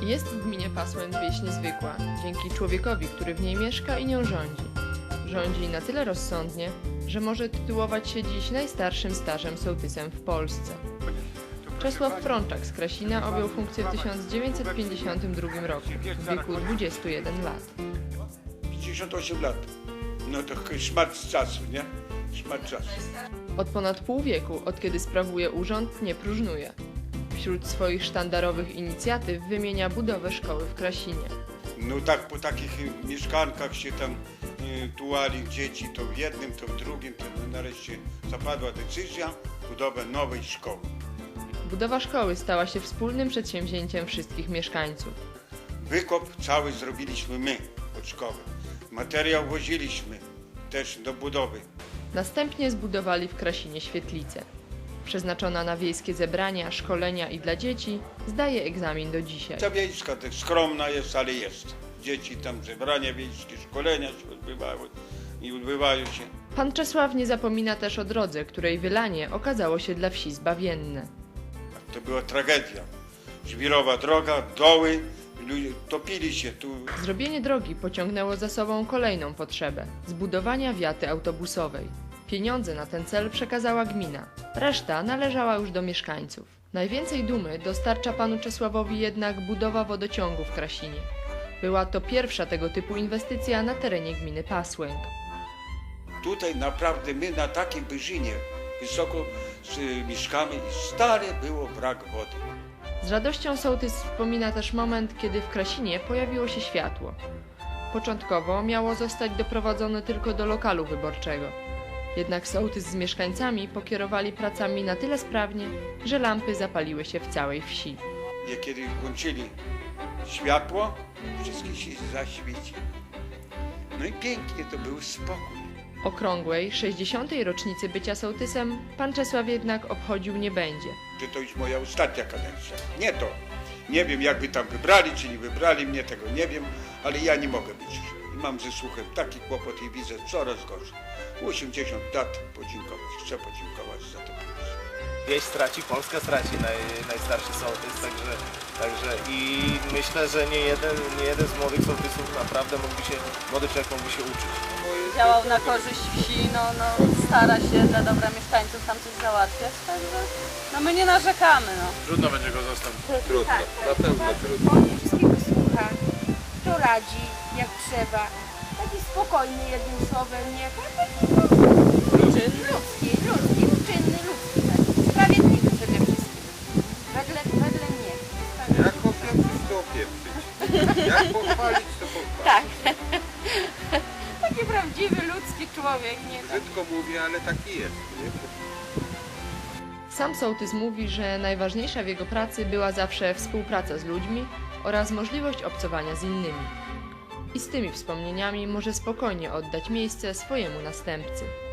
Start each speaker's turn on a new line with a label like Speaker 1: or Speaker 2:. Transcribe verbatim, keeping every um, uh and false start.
Speaker 1: Jest w gminie Pasłęk wieś niezwykła, dzięki człowiekowi, który w niej mieszka i nią rządzi. Rządzi na tyle rozsądnie, że może tytułować się dziś najstarszym starzem sołtysem w Polsce. Czesław Frączak z Krasina objął funkcję w tysiąc dziewięćset pięćdziesiątym drugim roku, w wieku dwudziestu jeden lat.
Speaker 2: pięćdziesiąt osiem lat. No to szmat czasu, nie? Szmat czasu.
Speaker 1: Od ponad pół wieku, od kiedy sprawuje urząd, nie próżnuje. Wśród swoich sztandarowych inicjatyw wymienia budowę szkoły w Krasinie.
Speaker 2: No tak po takich mieszkankach się tam y, tułali dzieci, to w jednym, to w drugim, to nareszcie zapadła decyzja budowę nowej szkoły.
Speaker 1: Budowa szkoły stała się wspólnym przedsięwzięciem wszystkich mieszkańców.
Speaker 2: Wykop cały zrobiliśmy my od szkoły. Materiał woziliśmy też do budowy.
Speaker 1: Następnie zbudowali w Krasinie świetlicę. Przeznaczona na wiejskie zebrania, szkolenia i dla dzieci, zdaje egzamin do dzisiaj.
Speaker 2: Ta wiejska też skromna jest, ale jest. Dzieci tam zebrania wiejskie, szkolenia się odbywały i odbywają się.
Speaker 1: Pan Czesław nie zapomina też o drodze, której wylanie okazało się dla wsi zbawienne.
Speaker 2: To była tragedia. Żwirowa droga, doły, ludzie topili się tu.
Speaker 1: Zrobienie drogi pociągnęło za sobą kolejną potrzebę – zbudowania wiaty autobusowej. Pieniądze na ten cel przekazała gmina, reszta należała już do mieszkańców. Najwięcej dumy dostarcza panu Czesławowi jednak budowa wodociągu w Krasinie. Była to pierwsza tego typu inwestycja na terenie gminy Pasłęk.
Speaker 2: Tutaj naprawdę my na takiej wyżynie wysoko y, mieszkamy i stale było brak wody.
Speaker 1: Z radością sołtys wspomina też moment, kiedy w Krasinie pojawiło się światło. Początkowo miało zostać doprowadzone tylko do lokalu wyborczego. Jednak sołtys z mieszkańcami pokierowali pracami na tyle sprawnie, że lampy zapaliły się w całej wsi.
Speaker 2: I kiedy włączyli światło, wszystkie się zaświeci. No i pięknie to był spokój.
Speaker 1: Okrągłej, sześćdziesiątej rocznicy bycia sołtysem pan Czesław jednak obchodził nie będzie.
Speaker 2: Że to już moja ostatnia kadencja. Nie to. Nie wiem, jakby tam wybrali, czy nie wybrali mnie, tego nie wiem, ale ja nie mogę być. I mam ze słuchem taki kłopot i widzę coraz gorzej. osiemdziesiąt lat podziękować, chcę podziękować za to.
Speaker 3: Wieś straci, Polska straci naj, najstarszy sołtys, także, także i myślę, że nie jeden, nie jeden z młodych sołtysów naprawdę mógłby się, młody człowiek mógłby się uczyć.
Speaker 4: Działał na korzyść wsi, no, no stara się dla dobra mieszkańców tam coś załatwiać, także no my nie narzekamy, no.
Speaker 3: Trudno będzie go zastąpić.
Speaker 5: Trudno, na pewno trudno.
Speaker 6: On wszystkiego słucha, to radzi jak trzeba. Taki spokojny jednym słowem, nie? Taki ludzki, ludzki, ludzki, uczynny, ludzki. Tak. Sprawiedliwy przede wszystkim. Wedle, wedle mnie.
Speaker 5: Jak opieprzyć, to opieprzyć. Jak pochwalić, to pochwalić.
Speaker 6: Tak. Taki prawdziwy, ludzki człowiek, nie?
Speaker 5: Brzydko mówię, ale taki jest. Nie?
Speaker 1: Sam sołtys mówi, że najważniejsza w jego pracy była zawsze współpraca z ludźmi oraz możliwość obcowania z innymi. I z tymi wspomnieniami może spokojnie oddać miejsce swojemu następcy.